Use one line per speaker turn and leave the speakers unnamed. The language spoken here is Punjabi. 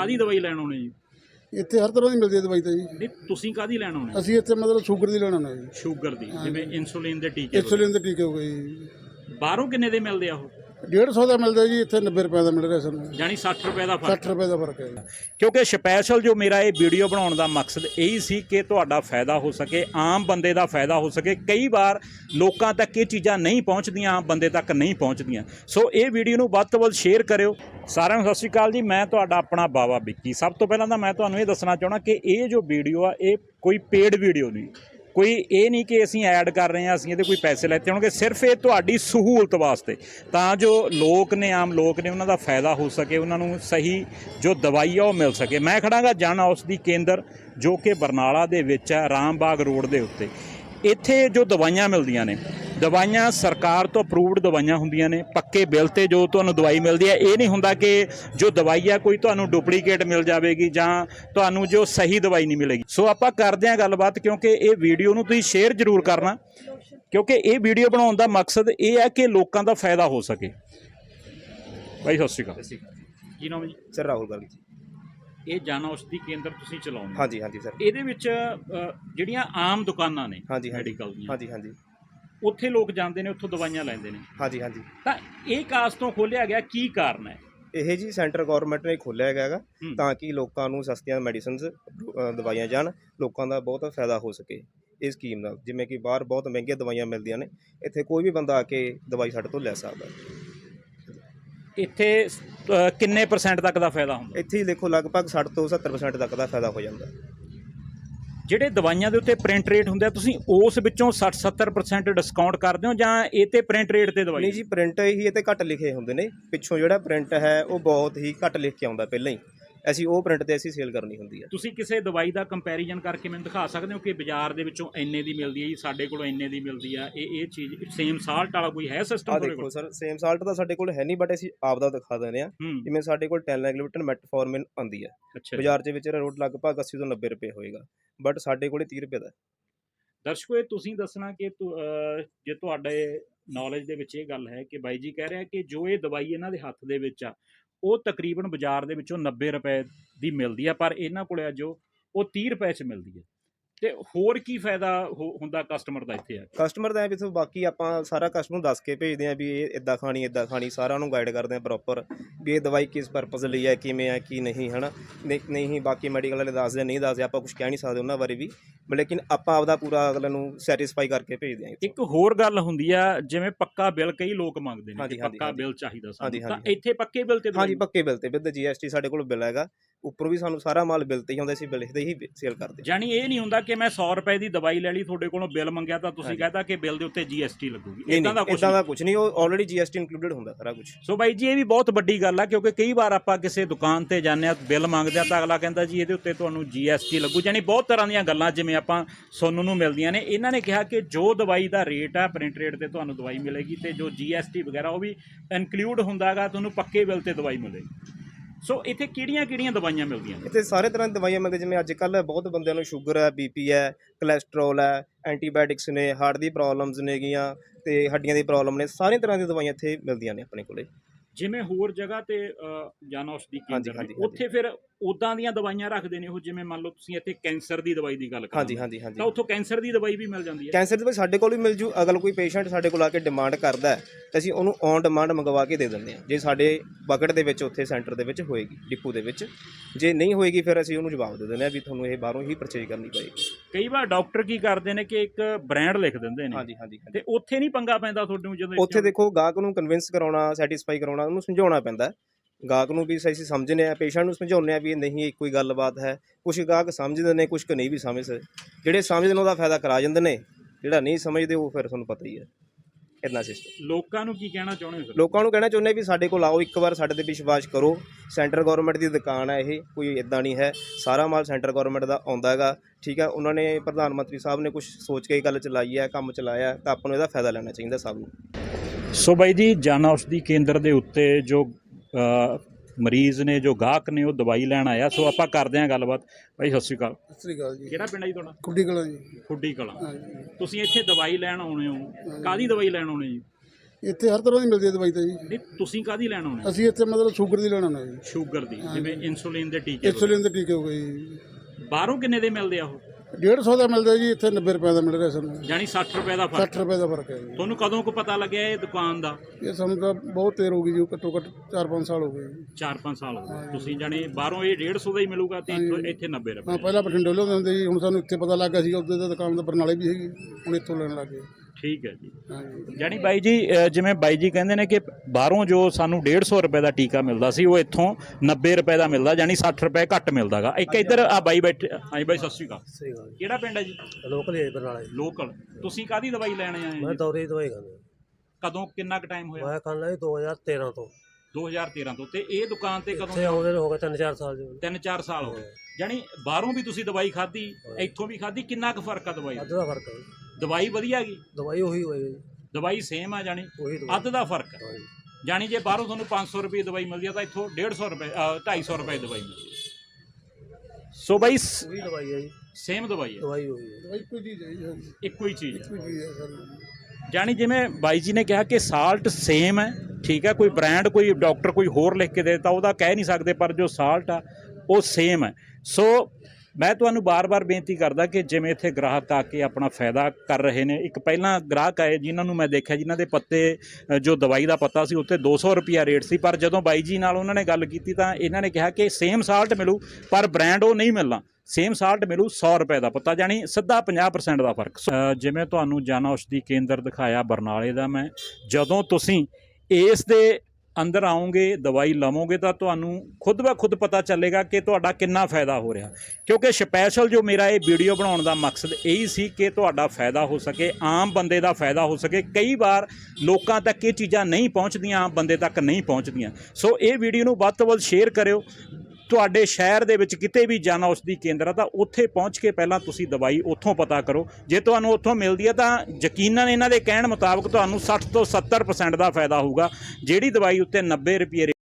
ਕਾਹਦੀ ਦਵਾਈ ਲੈਣ ਆਉਣੇ ਜੀ?
ਇੱਥੇ ਹਰ ਤਰ੍ਹਾਂ ਦੀ ਮਿਲਦੀ ਹੈ ਦਵਾਈ ਤਾਂ ਜੀ।
ਨਹੀਂ ਤੁਸੀਂ ਕਾਹਦੀ ਲੈਣ ਆਉਣੇ?
ਅਸੀਂ ਇੱਥੇ ਮਤਲਬ ਸ਼ੂਗਰ ਦੀ ਲੈਣਾ ਜੀ।
ਸ਼ੂਗਰ ਦੀ, ਜਿਵੇਂ ਇਨਸੂਲਿਨ ਦੇ ਟੀਕੇ।
ਇੰਸੂਲਿਨ ਦੇ ਟੀਕੇ ਹੋ ਗਏ ਜੀ।
ਬਾਹਰੋਂ ਕਿੰਨੇ ਦੇ ਮਿਲਦੇ ਆ ਉਹ?
150 ਦਾ ਮਿਲਦਾ ਜੀ, ਇੱਥੇ 90 ਰੁਪਏ ਦਾ ਮਿਲ ਰਿਹਾ ਸਾਨੂੰ।
ਜਾਨੀ 60 ਰੁਪਏ ਦਾ ਫਰਕ।
60 ਰੁਪਏ ਦਾ ਫਰਕ ਹੈ ਜੀ।
ਕਿਉਂਕਿ ਸਪੈਸ਼ਲ ਜੋ ਮੇਰਾ ਇਹ ਵੀਡੀਓ ਬਣਾਉਣ ਦਾ ਮਕਸਦ ਇਹੀ ਸੀ ਕਿ ਤੁਹਾਡਾ ਫਾਇਦਾ ਹੋ ਸਕੇ, ਆਮ ਬੰਦੇ ਦਾ ਫਾਇਦਾ ਹੋ ਸਕੇ। ਕਈ ਵਾਰ ਲੋਕਾਂ ਤੱਕ ਇਹ ਚੀਜ਼ਾਂ ਨਹੀਂ ਪਹੁੰਚਦੀਆਂ, ਆਮ ਬੰਦੇ ਤੱਕ ਨਹੀਂ ਪਹੁੰਚਦੀਆਂ। ਸੋ ਇਹ ਵੀਡੀਓ ਨੂੰ ਵੱਧ ਤੋਂ ਵੱਧ ਸ਼ੇਅਰ ਕਰਿਓ। ਸਾਰਿਆਂ ਨੂੰ ਸਤਿ ਸ਼੍ਰੀ ਅਕਾਲ ਜੀ, ਮੈਂ ਤੁਹਾਡਾ ਆਪਣਾ ਬਾਵਾ ਵਿੱਕੀ। ਸਭ ਤੋਂ ਪਹਿਲਾਂ ਤਾਂ ਮੈਂ ਤੁਹਾਨੂੰ ਇਹ ਦੱਸਣਾ ਚਾਹੁੰਦਾ ਕਿ ਇਹ ਜੋ ਵੀਡੀਓ ਆ ਇਹ ਕੋਈ ਪੇਡ ਵੀਡੀਓ ਨਹੀਂ, ਕੋਈ ਇਹ ਨਹੀਂ ਕਿ ਅਸੀਂ ਐਡ ਕਰ ਰਹੇ ਹਾਂ, ਅਸੀਂ ਇਹਦੇ ਕੋਈ ਪੈਸੇ ਲੈਤੇ ਹੋਣਗੇ। ਸਿਰਫ ਇਹ ਤੁਹਾਡੀ ਸਹੂਲਤ ਵਾਸਤੇ, ਤਾਂ ਜੋ ਲੋਕ ਨੇ, ਆਮ ਲੋਕ ਨੇ, ਉਹਨਾਂ ਦਾ ਫਾਇਦਾ ਹੋ ਸਕੇ, ਉਹਨਾਂ ਨੂੰ ਸਹੀ ਜੋ ਦਵਾਈ ਆ ਉਹ ਮਿਲ ਸਕੇ। ਮੈਂ ਖੜਾਂਗਾ ਜਨ ਔਸ਼ਧੀ ਕੇਂਦਰ, ਜੋ ਕਿ ਬਰਨਾਲਾ ਦੇ ਵਿੱਚ ਹੈ, ਰਾਮਬਾਗ ਰੋਡ ਦੇ ਉੱਤੇ। ਇੱਥੇ ਜੋ ਦਵਾਈਆਂ ਮਿਲਦੀਆਂ ਨੇ, ਦਵਾਈਆਂ ਸਰਕਾਰ ਤੋਂ ਅਪਰੂਵਡ ਦਵਾਈਆਂ ਹੁੰਦੀਆਂ ਨੇ, ਪੱਕੇ ਬਿੱਲ 'ਤੇ ਜੋ ਤੁਹਾਨੂੰ ਦਵਾਈ ਮਿਲਦੀ ਹੈ। ਇਹ ਨਹੀਂ ਹੁੰਦਾ ਕਿ ਜੋ ਦਵਾਈ ਆ ਕੋਈ ਤੁਹਾਨੂੰ ਡੁਪਲੀਕੇਟ ਮਿਲ ਜਾਵੇਗੀ ਜਾਂ ਤੁਹਾਨੂੰ ਜੋ ਸਹੀ ਦਵਾਈ ਨਹੀਂ ਮਿਲੇਗੀ। ਸੋ ਆਪਾਂ ਕਰਦੇ ਹਾਂ ਗੱਲਬਾਤ, ਕਿਉਂਕਿ ਇਹ ਵੀਡੀਓ ਨੂੰ ਤੁਸੀਂ ਸ਼ੇਅਰ ਜ਼ਰੂਰ ਕਰਨਾ, ਕਿਉਂਕਿ ਇਹ ਵੀਡੀਓ ਬਣਾਉਣ ਦਾ ਮਕਸਦ ਇਹ ਹੈ ਕਿ ਲੋਕਾਂ ਦਾ ਫਾਇਦਾ ਹੋ ਸਕੇ। ਭਾਈ ਸਤਿ ਸ਼੍ਰੀ ਅਕਾਲ। ਕੀ ਨਾਮ ਹੈ ਜੀ?
ਸਰ ਰਾਹੁਲ ਗਾਂਧੀ ਜੀ।
ਇਹ ਜਨ ਔਸ਼ਧੀ ਕੇਂਦਰ ਤੁਸੀਂ ਚਲਾਉਂਦੇ ਹੋ?
ਹਾਂਜੀ ਹਾਂਜੀ ਸਰ।
ਇਹਦੇ ਵਿੱਚ ਜਿਹੜੀਆਂ ਆਮ ਦੁਕਾਨਾਂ ਨੇ
ਹਾਂਜੀ
ਮੈਡੀਕਲ ਦੀਆਂ,
ਹਾਂਜੀ ਹਾਂਜੀ
ਉੱਥੇ ਲੋਕ ਜਾਂਦੇ ਨੇ, ਉੱਥੋਂ ਦਵਾਈਆਂ ਲੈਂਦੇ ਨੇ।
ਹਾਂਜੀ ਹਾਂਜੀ।
ਤਾਂ ਇਹ ਕਾਸ ਤੋਂ ਖੋਲ੍ਹਿਆ ਗਿਆ, ਕੀ ਕਾਰਨ ਹੈ?
ਇਹ ਜੀ ਸੈਂਟਰ ਗਵਰਨਮੈਂਟ ਨੇ ਖੋਲ੍ਹਿਆ ਹੈਗਾ ਤਾਂ ਕਿ ਲੋਕਾਂ ਨੂੰ ਸਸਤੀਆਂ ਮੈਡੀਸਿਨਸ ਦਵਾਈਆਂ ਜਾਣ, ਲੋਕਾਂ ਦਾ ਬਹੁਤ ਫਾਇਦਾ ਹੋ ਸਕੇ ਇਸ ਸਕੀਮ ਨਾਲ। ਜਿਵੇਂ ਕਿ ਬਾਹਰ ਬਹੁਤ ਮਹਿੰਗੀਆਂ ਦਵਾਈਆਂ ਮਿਲਦੀਆਂ ਨੇ, ਇੱਥੇ ਕੋਈ ਵੀ ਬੰਦਾ ਆ ਕੇ ਦਵਾਈ ਸਾਡੇ ਤੋਂ ਲੈ ਸਕਦਾ।
ਇੱਥੇ ਕਿੰਨੇ % ਤੱਕ ਦਾ ਫਾਇਦਾ ਹੁੰਦਾ?
ਇੱਥੇ ਹੀ ਦੇਖੋ ਲਗਭਗ 60 ਤੋਂ 70% ਤੱਕ ਦਾ ਫਾਇਦਾ ਹੋ ਜਾਂਦਾ।
ਜਿਹੜੇ ਦਵਾਈਆਂ ਦੇ ਉੱਤੇ ਪ੍ਰਿੰਟ ਰੇਟ ਹੁੰਦੇ ਆ, ਤੁਸੀਂ ਉਸ ਵਿੱਚੋਂ 60-70% ਡਿਸਕਾਊਂਟ ਕਰਦੇ ਹੋ ਜਾਂ ਇਹ ਤੇ ਪ੍ਰਿੰਟ ਰੇਟ ਤੇ ਦਵਾਈ?
ਨਹੀਂ ਜੀ, ਪ੍ਰਿੰਟ ਹੀ ਇਹ ਤੇ ਘੱਟ ਲਿਖੇ ਹੁੰਦੇ ਨੇ। ਪਿੱਛੋਂ ਜਿਹੜਾ ਪ੍ਰਿੰਟ ਹੈ ਉਹ ਬਹੁਤ ਹੀ ਘੱਟ ਲਿਖ ਕੇ ਆਉਂਦਾ ਪਹਿਲਾਂ ਹੀ। ਅਸੀਂ ਉਹ ਪ੍ਰਿੰਟ ਤੇ ਅਸੀਂ ਸੇਲ ਕਰਨੀ ਹੁੰਦੀ ਹੈ।
ਤੁਸੀਂ ਕਿਸੇ ਦਵਾਈ ਦਾ ਕੰਪੈਰੀਜ਼ਨ ਕਰਕੇ ਮੈਨੂੰ ਦਿਖਾ ਸਕਦੇ ਹੋ ਕਿ ਬਾਜ਼ਾਰ ਦੇ ਵਿੱਚੋਂ ਇੰਨੇ ਦੀ ਮਿਲਦੀ ਹੈ ਜੀ, ਸਾਡੇ ਕੋਲ ਇੰਨੇ ਦੀ ਮਿਲਦੀ ਆ? ਇਹ ਚੀਜ਼ ਸੇਮ ਸਾਲਟ ਵਾਲਾ ਕੋਈ ਹੈ ਸਿਸਟਮ?
ਆ ਦੇਖੋ ਸਰ, ਸੇਮ ਸਾਲਟ ਤਾਂ ਸਾਡੇ ਕੋਲ ਹੈ ਨਹੀਂ, ਬਟ ਅਸੀਂ ਆਪ ਦਾ ਦਿਖਾ ਦਿੰਦੇ ਹਾਂ। ਜਿਵੇਂ ਸਾਡੇ ਕੋਲ 10 ਲੈਗਲਿਬਟਨ ਮੈਟਫੋਰਮਿਨ ਆਉਂਦੀ ਹੈ, ਬਾਜ਼ਾਰ ਦੇ ਵਿੱਚ ਰੇਟ ਲਗਭਗ 80 ਤੋਂ 90 ਰੁਪਏ ਹੋਏਗਾ, ਬਟ ਸਾਡੇ ਕੋਲ 30 ਰੁਪਏ ਦਾ।
ਦਰਸ਼ਕੋ, ਇਹ ਤੁਸੀਂ ਦੱਸਣਾ ਕਿ ਜੇ ਤੁਹਾਡੇ ਨੌਲੇਜ ਦੇ ਵਿੱਚ ਇਹ ਗੱਲ ਹੈ ਕਿ ਬਾਈ ਜੀ ਕਹਿ ਰਿਹਾ ਕਿ ਜੋ ਇਹ ਦਵਾਈ ਇਹਨਾਂ ਦੇ ਹੱਥ ਦੇ ਵਿੱਚ ਆ ਉਹ ਤਕਰੀਬਨ ਬਾਜ਼ਾਰ ਦੇ ਵਿੱਚੋਂ 90 ਰੁਪਏ ਦੀ ਮਿਲਦੀ ਆ, ਪਰ ਇਹਨਾਂ ਕੋਲ ਅੱਜ ਉਹ 30 ਰੁਪਏ 'ਚ ਮਿਲਦੀ ਹੈ। ਤੇ ਹੋਰ ਕੀ ਫਾਇਦਾ ਹੁੰਦਾ ਕਸਟਮਰ ਦਾ ਇੱਥੇ ਆ?
ਕਸਟਮਰ ਦਾ ਵੀ ਬਾਕੀ ਆਪਾਂ ਸਾਰਾ ਕਸਟਮਰ ਨੂੰ ਦੱਸ ਕੇ ਭੇਜਦੇ ਹਾਂ ਵੀ ਇਹ ਇੱਦਾਂ ਖਾਣੀ, ਇੱਦਾਂ ਖਾਣੀ, ਸਾਰਿਆਂ ਨੂੰ ਗਾਈਡ ਕਰਦੇ ਹਾਂ ਪ੍ਰੋਪਰ ਵੀ ਇਹ ਦਵਾਈ ਕਿਸ ਪਰਪਸ ਲਈ ਹੈ, ਕਿਵੇਂ ਹੈ, ਕੀ ਨਹੀਂ, ਹੈ ਨਾ। ਨਹੀਂ ਬਾਕੀ ਮੈਡੀਕਲ ਵਾਲੇ ਦੱਸਦੇ, ਨਹੀਂ ਦੱਸਦੇ, ਆਪਾਂ ਕੁਝ ਕਹਿ ਨਹੀਂ ਸਕਦੇ ਉਹਨਾਂ ਬਾਰੇ ਵੀ, ਲੇਕਿਨ ਆਪਾਂ ਆਪਦਾ ਪੂਰਾ ਅਗਲੇ ਨੂੰ ਸੈਟੀਸਫਾਈ ਕਰਕੇ ਭੇਜਦੇ ਹਾਂ।
ਇੱਕ ਹੋਰ ਗੱਲ ਹੁੰਦੀ ਆ, ਜਿਵੇਂ ਪੱਕਾ ਬਿੱਲ ਕਈ ਲੋਕ ਮੰਗਦੇ ਨੇ ਕਿ ਪੱਕਾ ਬਿੱਲ ਚਾਹੀਦਾ ਸਾਨੂੰ, ਤਾਂ ਇੱਥੇ ਪੱਕੇ ਬਿੱਲ ਤੇ?
ਹਾਂਜੀ, ਪੱਕੇ ਬਿੱਲ ਤੇ ਵਿਦ GST ਸਾਡੇ ਕੋਲ ਬਿੱਲ ਹੈਗਾ। ਉੱਪਰੋਂ ਵੀ ਸਾਨੂੰ ਸਾਰਾ ਮਾਲ ਬਿੱਲ ਤੇ ਹੀ ਆਉਂਦਾ, ਅਸੀਂ ਬਿੱਲ ਤੇ ਹੀ ਸੇਲ ਕਰਦੇ।
ਜਾਨੀ ਇਹ ਨਹੀਂ ਹੁੰਦਾ ਕਿ ਮੈਂ 100 ਰੁਪਏ ਦੀ ਦਵਾਈ ਲੈ ਲਈ, ਤੁਹਾਡੇ ਕੋਲੋਂ ਬਿੱਲ ਮੰਗਿਆ ਤਾਂ ਤੁਸੀਂ ਕਹਿੰਦਾ ਕਿ ਬਿੱਲ ਦੇ ਉੱਤੇ GST ਲੱਗੂਗੀ?
ਇਦਾਂ ਦਾ ਕੁਝ ਨਹੀਂ, ਉਹ ਆਲਰੇਡੀ GST ਇਨਕਲੂਡਡ ਹੁੰਦਾ ਸਾਰਾ ਕੁਝ।
ਸੋ ਬਾਈ ਜੀ, ਇਹ ਵੀ ਬਹੁਤ ਵੱਡੀ ਗੱਲ ਆ, ਕਿਉਂਕਿ ਕਈ ਵਾਰ ਆਪਾਂ ਕਿਸੇ ਦੁਕਾਨ ਤੇ ਜਾਂਦੇ ਆ, ਬਿੱਲ ਮੰਗਦੇ ਆ ਤਾਂ ਅਗਲਾ ਕਹਿੰਦਾ ਜੀ ਇਹਦੇ ਉੱਤੇ ਤੁਹਾਨੂੰ GST ਲੱਗੂ। ਜਾਨੀ ਬਹੁਤ ਤਰ੍ਹਾਂ ਦੀਆਂ ਗੱਲਾਂ ਜਿਵੇਂ ਆਪਾਂ ਸੁਣਨ ਨੂੰ ਮਿਲਦੀਆਂ ਨੇ। ਇਹਨਾਂ ਨੇ ਕਿਹਾ ਕਿ ਜੋ ਦਵਾਈ ਦਾ ਰੇਟ ਆ, ਪ੍ਰਿੰਟ ਰੇਟ ਤੇ ਤੁਹਾਨੂੰ ਦਵਾਈ ਮਿਲੇਗੀ, ਤੇ ਜੋ GST ਵਗੈਰਾ ਉਹ ਵੀ ਇਨਕਲੂਡ ਹੁੰਦਾ ਗਾ, ਤੁਹਾਨੂੰ ਪੱਕੇ ਬਿੱਲ ਤੇ ਦਵਾਈ ਮਿਲੇਗੀ। ਸੋ ਇੱਥੇ ਕਿਹੜੀਆਂ ਦਵਾਈਆਂ ਮਿਲਦੀਆਂ ਨੇ?
ਇੱਥੇ ਸਾਰੇ ਤਰ੍ਹਾਂ ਦੀ ਦਵਾਈਆਂ ਮਿਲਦੀਆਂ, ਜਿਵੇਂ ਅੱਜ ਕੱਲ੍ਹ ਬਹੁਤ ਬੰਦਿਆਂ ਨੂੰ ਸ਼ੂਗਰ ਹੈ, BP ਹੈ, ਕੋਲੈਸਟਰੋਲ ਹੈ, ਐਂਟੀਬਾਇਓਟਿਕਸ ਨੇ, ਹਾਰਟ ਦੀ ਪ੍ਰੋਬਲਮਸ ਨੇਗੀਆਂ, ਤੇ ਹੱਡੀਆਂ ਦੀ ਪ੍ਰੋਬਲਮ ਨੇ। ਸਾਰੀਆਂ ਤਰ੍ਹਾਂ ਦੀਆਂ ਦਵਾਈਆਂ ਇੱਥੇ ਮਿਲਦੀਆਂ ਨੇ ਆਪਣੇ ਕੋਲੇ।
ਜਿਵੇਂ ਹੋਰ ਜਗ੍ਹਾ ਤੇ ਜਨ ਔਸ਼ਧੀ ਕੇਂਦਰ ਨੇ, ਉੱਥੇ ਫਿਰ ਉਦਾਂ ਦੀਆਂ ਦਵਾਈਆਂ ਰੱਖਦੇ ਨੇ ਉਹ? ਜਿਵੇਂ ਮੰਨ ਲਓ ਤੁਸੀਂ ਇੱਥੇ ਕੈਂਸਰ ਦੀ ਦਵਾਈ ਦੀ ਗੱਲ ਕਰਦੇ,
ਹਾਂਜੀ,
ਤਾਂ ਉੱਥੋਂ ਕੈਂਸਰ ਦੀ ਦਵਾਈ ਵੀ ਮਿਲ ਜਾਂਦੀ ਹੈ?
ਕੈਂਸਰ ਦੀ ਦਵਾਈ ਸਾਡੇ ਕੋਲ ਵੀ ਮਿਲ ਜੂ। ਅਗਰ ਕੋਈ ਪੇਸ਼ੈਂਟ ਸਾਡੇ ਕੋਲ ਆ ਕੇ ਡਿਮਾਂਡ ਕਰਦਾ ਹੈ ਤਾਂ ਅਸੀਂ ਉਹਨੂੰ ਔਨ ਡਿਮਾਂਡ ਮੰਗਵਾ ਕੇ ਦੇ ਦਿੰਦੇ ਹਾਂ, ਜੇ ਸਾਡੇ ਬਕਟ ਦੇ ਵਿੱਚ ਉੱਥੇ ਸੈਂਟਰ ਦੇ ਵਿੱਚ ਹੋਏਗੀ, ਡਿਪੂ ਦੇ ਵਿੱਚ। ਜੇ ਨਹੀਂ ਹੋਏਗੀ ਫਿਰ ਅਸੀਂ ਉਹਨੂੰ ਜਵਾਬ ਦੇ ਦਿੰਦੇ ਹਾਂ ਵੀ ਤੁਹਾਨੂੰ ਇਹ ਬਾਹਰੋਂ ਹੀ ਪਰਚੇਜ ਕਰਨੀ ਪਏਗੀ।
ਕਈ ਵਾਰ ਡਾਕਟਰ ਕੀ ਕਰਦੇ ਨੇ ਕਿ ਇੱਕ ਬ੍ਰਾਂਡ ਲਿਖ ਦਿੰਦੇ ਨੇ।
ਹਾਂਜੀ।
ਤੇ ਉੱਥੇ ਨਹੀਂ ਪੰਗਾ ਪੈਂਦਾ ਤੁਹਾਨੂੰ? ਜਦੋਂ
ਉੱਥੇ ਦੇਖੋ, ਗਾਹਕ ਨੂੰ ਕਨਵਿੰਸ ਕਰਾਉਣਾ, ਸੈਟੀਸਫਾਈ ਕਰਾਉਣਾ, ਉਹਨੂੰ ਸਮਝਾਉਣਾ ਪੈਂਦਾ। ਗਾਹਕ ਨੂੰ ਵੀ ਅਸੀਂ ਸਮਝਦੇ ਹਾਂ, ਪੇਸ਼ੈਂਟ ਨੂੰ ਸਮਝਾਉਂਦੇ ਹਾਂ ਵੀ ਇਹ ਨਹੀਂ ਕੋਈ ਗੱਲਬਾਤ ਹੈ। ਕੁਛ ਗਾਹਕ ਸਮਝਦੇ ਨੇ, ਕੁਛ ਕੁ ਨਹੀਂ ਵੀ ਸਮਝਦੇ। ਜਿਹੜੇ ਸਮਝਦੇ ਨੇ ਉਹਦਾ ਫਾਇਦਾ ਕਰਾ ਜਾਂਦੇ ਨੇ, ਜਿਹੜਾ ਨਹੀਂ ਸਮਝਦੇ ਉਹ ਫਿਰ ਤੁਹਾਨੂੰ ਪਤਾ ਹੀ ਹੈ ਕਿੰਨਾ ਸਿਸਟਮ।
ਲੋਕਾਂ ਨੂੰ ਕੀ ਕਹਿਣਾ ਚਾਹੁੰਦੇ ਹੋ?
ਲੋਕਾਂ ਨੂੰ ਕਹਿਣਾ ਚਾਹੁੰਦੇ ਵੀ ਸਾਡੇ ਕੋਲ ਆਓ, ਇੱਕ ਵਾਰ ਸਾਡੇ ਤੇ ਵਿਸ਼ਵਾਸ ਕਰੋ। ਸੈਂਟਰ ਗਵਰਨਮੈਂਟ ਦੀ ਦੁਕਾਨ ਹੈ ਇਹ, ਕੋਈ ਇੱਦਾਂ ਨਹੀਂ ਹੈ। ਸਾਰਾ ਮਾਲ ਸੈਂਟਰ ਗਵਰਨਮੈਂਟ ਦਾ ਆਉਂਦਾ ਹੈਗਾ, ਠੀਕ ਹੈ। ਉਹਨਾਂ ਨੇ, ਪ੍ਰਧਾਨ ਮੰਤਰੀ ਸਾਹਿਬ ਨੇ ਕੁਝ ਸੋਚ ਕੇ ਗੱਲ ਚਲਾਈ ਹੈ, ਕੰਮ ਚਲਾਇਆ, ਤਾਂ ਆਪਾਂ ਨੂੰ ਇਹਦਾ ਫਾਇਦਾ ਲੈਣਾ ਚਾਹੀਦਾ ਸਭ ਨੂੰ।
ਸੋ ਬਾਈ ਜੀ, ਜਨ ਔਸ਼ਧੀ ਕੇਂਦਰ ਦੇ ਉੱਤੇ ਜੋ ਮਰੀਜ਼ ਨੇ, ਜੋ ਗਾਹਕ ਨੇ, ਉਹ ਦਵਾਈ ਲੈਣ ਆਇਆ। ਸੋ ਆਪਾਂ ਕਰਦੇ ਹਾਂ ਗੱਲਬਾਤ। ਭਾਈ ਸਤਿ ਸ਼੍ਰੀ ਅਕਾਲ।
ਸਤਿ ਸ਼੍ਰੀ ਅਕਾਲ ਜੀ।
ਕਿਹੜਾ ਪਿੰਡ ਹੈ ਜੀ ਤੁਹਾਡਾ?
ਖੁੱਡੀ ਕਲਾਂ ਜੀ।
ਖੁੱਡੀ ਕਲਾਂ। ਤੁਸੀਂ ਇੱਥੇ ਦਵਾਈ ਲੈਣ ਆਉਣੇ ਹੋ, ਕਾਹਦੀ ਦਵਾਈ ਲੈਣ ਆਉਣੇ ਜੀ?
ਇੱਥੇ ਹਰ ਤਰ੍ਹਾਂ ਦੀ ਮਿਲਦੀ ਹੈ ਦਵਾਈ ਤਾਂ ਜੀ।
ਨਹੀਂ ਤੁਸੀਂ ਕਾਹਦੀ ਲੈਣ ਆਉਣੇ
ਅਸੀਂ ਇੱਥੇ ਮਤਲਬ ਸ਼ੂਗਰ ਦੀ ਲੈਣ ਆਉਂਦੇ ਹਾਂ ਜੀ।
ਸ਼ੂਗਰ ਦੀ, ਜਿਵੇਂ ਇਨਸੂਲਿਨ ਦੇ ਟੀਕੇ
ਇੰਸੂਲਿਨ ਦੇ ਟੀਕੇ ਹੋ ਗਏ ਜੀ।
ਬਾਹਰੋਂ ਕਿੰਨੇ ਦੇ ਮਿਲਦੇ ਆ ਉਹ?
150 ਦਾ ਮਿਲਦਾ ਜੀ, ਇੱਥੇ 90 ਰੁਪਏ ਦਾ ਮਿਲ ਰਿਹਾ ਸਾਨੂੰ।
ਜਾਨੀ 60 ਰੁਪਏ ਦਾ ਫਰਕ।
60 ਰੁਪਏ ਦਾ ਫਰਕ ਹੈ ਜੀ।
ਤੁਹਾਨੂੰ ਕਦੋਂ ਕੁ ਪਤਾ ਲੱਗਿਆ ਇਹ ਦੁਕਾਨ ਦਾ?
ਇਹ ਸਾਨੂੰ ਤਾਂ ਬਹੁਤ ਦੇਰ ਹੋ ਗਈ ਜੀ, ਘੱਟੋ ਘੱਟ 4-5 ਸਾਲ ਹੋ ਗਏ ਜੀ।
4-5 ਸਾਲ ਹੋ ਗਏ। ਤੁਸੀਂ ਜਾਨੀ ਬਾਹਰੋਂ ਇਹ 150 ਦਾ ਹੀ ਮਿਲੂਗਾ ਤੇ ਇੱਥੇ 90
ਹਾਂ,
ਰੁਪਏ।
ਪਹਿਲਾਂ ਬਠਿੰਡੇ ਲਿਆਉਂਦੇ ਹੁੰਦੇ ਜੀ, ਹੁਣ ਸਾਨੂੰ ਇੱਥੇ ਪਤਾ ਲੱਗ ਗਿਆ ਸੀ ਉੱਧਰ ਦਾ ਦੁਕਾਨ ਤਾਂ ਬਰਨਾਲੇ ਵੀ ਹੈਗੀ, ਹੁਣ ਇੱਥੋਂ ਲੈਣ ਲੱਗ ਗਏ।
ਠੀਕ ਹੈ ਜੀ।
ਹਾਂਜੀ।
ਜਾਨੀ ਬਾਈ ਜੀ ਜਿਵੇਂ ਬਾਈ ਜੀ ਕਹਿੰਦੇ ਨੇ ਕਿ ਬਾਹਰੋਂ ਜੋ ਸਾਨੂੰ 150 ਰੁਪਏ ਦਾ ਟੀਕਾ ਮਿਲਦਾ ਸੀ ਉਹ ਇੱਥੋਂ 90 ਰੁਪਏ ਦਾ ਮਿਲਦਾ, ਜਾਨੀ 60 ਰੁਪਏ ਘੱਟ ਮਿਲਦਾਗਾ। ਇੱਕ ਇੱਧਰ ਆ ਬਾਈ ਬੈਠੇ। ਹਾਂਜੀ ਬਾਈ ਸਤਿ ਸ਼੍ਰੀ ਅਕਾਲ।
ਸਹੀ ਗੱਲ
ਕਿਹੜਾ ਪਿੰਡ ਹੈ ਜੀ?
ਲੋਕਲ ਹੀ ਬਰਨਾਲਾ ਜੀ।
ਲੋਕਲ। ਤੁਸੀਂ ਕਾਹਦੀ ਦਵਾਈ ਲੈਣ ਆਏ
ਮੈਂ
ਜੀ?
ਦੌਰੇ ਦੀ ਦਵਾਈ ਖਾਂਦਾ।
ਕਦੋਂ ਕਿੰਨਾ ਕੁ ਟਾਈਮ ਹੋਇਆ?
ਮੈਂ ਖਾਂਦਾ ਜੀ 2013 ਤੋਂ।
2013 ਤੋਂ। ਤੇ ਇਹ ਦੁਕਾਨ ਤੇ
ਇੱਥੇ
ਕਦੋਂ?
ਆਉਂਦੇ ਨੂੰ ਹੋ ਗਏ 3-4 ਸਾਲ ਜੀ।
3-4 ਸਾਲ ਹੋ ਗਏ। ਜਾਨੀ ਬਾਹਰੋਂ ਵੀ ਤੁਸੀਂ ਦਵਾਈ ਖਾਧੀ, ਇੱਥੋਂ ਵੀ ਖਾਧੀ, ਕਿੰਨਾ ਕੁ ਫਰਕ ਆ ਦਵਾਈ
ਅੱਧ ਦਾ ਫਰਕ ਹੈ ਜੀ।
ਦਵਾਈ ਵਧੀਆ ਗਈ?
ਦਵਾਈ ਉਹੀ ਹੋਈ ਜੀ।
ਦਵਾਈ ਸੇਮ ਆ ਜਾਨੀ
ਉਹੀ ਦਵਾਈ।
ਅੱਧ ਦਾ ਫਰਕ ਹੈ।
ਹਾਂਜੀ।
ਜਾਨੀ ਜੇ ਬਾਹਰੋਂ ਤੁਹਾਨੂੰ 500 ਰੁਪਏ ਦਵਾਈ ਮਿਲਦੀ ਆ ਤਾਂ ਇੱਥੋਂ 150 ਰੁਪਏ 250 ਰੁਪਏ ਦਵਾਈ ਮਿਲਦੀ ਹੈ। ਸੋ ਬਾਈ
ਉਹੀ ਦਵਾਈ ਹੈ ਜੀ।
ਸੇਮ ਦਵਾਈ ਹੈ,
ਦਵਾਈ ਉਹੀ ਹੈ।
ਦਵਾਈ ਇੱਕੋ ਚੀਜ਼ ਹੈ ਜੀ। ਹਾਂਜੀ,
ਇੱਕੋ ਹੀ ਚੀਜ਼ ਹੈ।
ਇੱਕੋ ਚੀਜ਼ ਹੈ ਸਰ।
ਜਾਨੀ ਜਿਵੇਂ ਬਾਈ ਜੀ ਨੇ ਕਿਹਾ ਕਿ ਸਾਲਟ ਸੇਮ ਹੈ, ਠੀਕ ਹੈ, ਕੋਈ ਬ੍ਰਾਂਡ ਕੋਈ ਡਾਕਟਰ ਕੋਈ ਹੋਰ ਲਿਖ ਕੇ ਦੇ ਦਿੱਤਾ ਉਹਦਾ ਕਹਿ ਨਹੀਂ ਸਕਦੇ, ਪਰ ਜੋ ਸਾਲਟ ਆ ਉਹ ਸੇਮ ਹੈ। ਸੋ ਮੈਂ ਤੁਹਾਨੂੰ ਬਾਰ-ਬਾਰ ਬੇਨਤੀ ਕਰਦਾ ਕਿ ਜਿਵੇਂ ਇੱਥੇ ਗ੍ਰਾਹਕ ਆ ਕੇ ਆਪਣਾ ਫਾਇਦਾ ਕਰ ਰਹੇ ਨੇ। ਇੱਕ ਪਹਿਲਾਂ ਗ੍ਰਾਹਕ ਆਏ ਜਿਨ੍ਹਾਂ ਨੂੰ ਮੈਂ ਦੇਖਿਆ ਜਿਨ੍ਹਾਂ ਦੇ ਪੱਤੇ ਜੋ ਦਵਾਈ ਦਾ ਪੱਤਾ ਸੀ ਉੱਤੇ 200 ਰੁਪਿਆ ਰੇਟ ਸੀ, ਪਰ ਜਦੋਂ ਬਾਈ ਜੀ ਨਾਲ ਉਹਨਾਂ ਨੇ ਗੱਲ ਕੀਤੀ ਤਾਂ ਇਹਨਾਂ ਨੇ ਕਿਹਾ ਕਿ ਸੇਮ ਸਾਲਟ ਮਿਲੂ ਪਰ ਬ੍ਰਾਂਡ ਉਹ ਨਹੀਂ ਮਿਲਣਾ, ਸੇਮ ਸਾਲਟ ਮਿਲੂ 100 ਰੁਪਏ ਦਾ ਪੱਤਾ, ਜਾਨੀ ਸਿੱਧਾ 50% ਦਾ ਫਰਕ। ਜਿਵੇਂ ਤੁਹਾਨੂੰ ਜਨ ਔਸ਼ਧੀ ਕੇਂਦਰ ਦਿਖਾਇਆ ਬਰਨਾਲੇ ਦਾ ਮੈਂ, ਜਦੋਂ ਤੁਸੀਂ ਇਸ ਦੇ ਅੰਦਰ ਆਓਗੇ ਦਵਾਈ ਲਵੋਗੇ ਤਾਂ ਤੁਹਾਨੂੰ ਖੁਦ ਬ ਖੁਦ ਪਤਾ ਚੱਲੇਗਾ ਕਿ ਤੁਹਾਡਾ ਕਿੰਨਾ ਫਾਇਦਾ ਹੋ ਰਿਹਾ। ਕਿਉਂਕਿ ਸਪੈਸ਼ਲ ਜੋ ਮੇਰਾ ਇਹ ਵੀਡੀਓ ਬਣਾਉਣ ਦਾ ਮਕਸਦ ਇਹੀ ਸੀ ਕਿ ਤੁਹਾਡਾ ਫਾਇਦਾ ਹੋ ਸਕੇ, ਆਮ ਬੰਦੇ ਦਾ ਫਾਇਦਾ ਹੋ ਸਕੇ। ਕਈ ਵਾਰ ਲੋਕਾਂ ਤੱਕ ਇਹ ਚੀਜ਼ਾਂ ਨਹੀਂ ਪਹੁੰਚਦੀਆਂ, ਆਮ ਬੰਦੇ ਤੱਕ ਨਹੀਂ ਪਹੁੰਚਦੀਆਂ। ਸੋ ਇਹ ਵੀਡੀਓ ਨੂੰ ਵੱਧ ਤੋਂ ਵੱਧ ਸ਼ੇਅਰ ਕਰਿਓ। ਤੁਹਾਡੇ ਸ਼ਹਿਰ ਦੇ ਵਿੱਚ ਕਿਤੇ ਵੀ ਜਨ ਔਸ਼ਧੀ ਕੇਂਦਰ ਆ ਤਾਂ ਉੱਥੇ ਪਹੁੰਚ ਕੇ ਪਹਿਲਾਂ ਤੁਸੀਂ ਦਵਾਈ ਉੱਥੋਂ ਪਤਾ ਕਰੋ। ਜੇ ਤੁਹਾਨੂੰ ਉੱਥੋਂ ਮਿਲਦੀ ਹੈ ਤਾਂ ਯਕੀਨਨ ਇਹਨਾਂ ਦੇ ਕਹਿਣ ਮੁਤਾਬਕ ਤੁਹਾਨੂੰ 60 ਤੋਂ 70% ਦਾ ਫਾਇਦਾ ਹੋਊਗਾ। ਜਿਹੜੀ ਦਵਾਈ ਉੱਤੇ 90 ਰੁਪਏ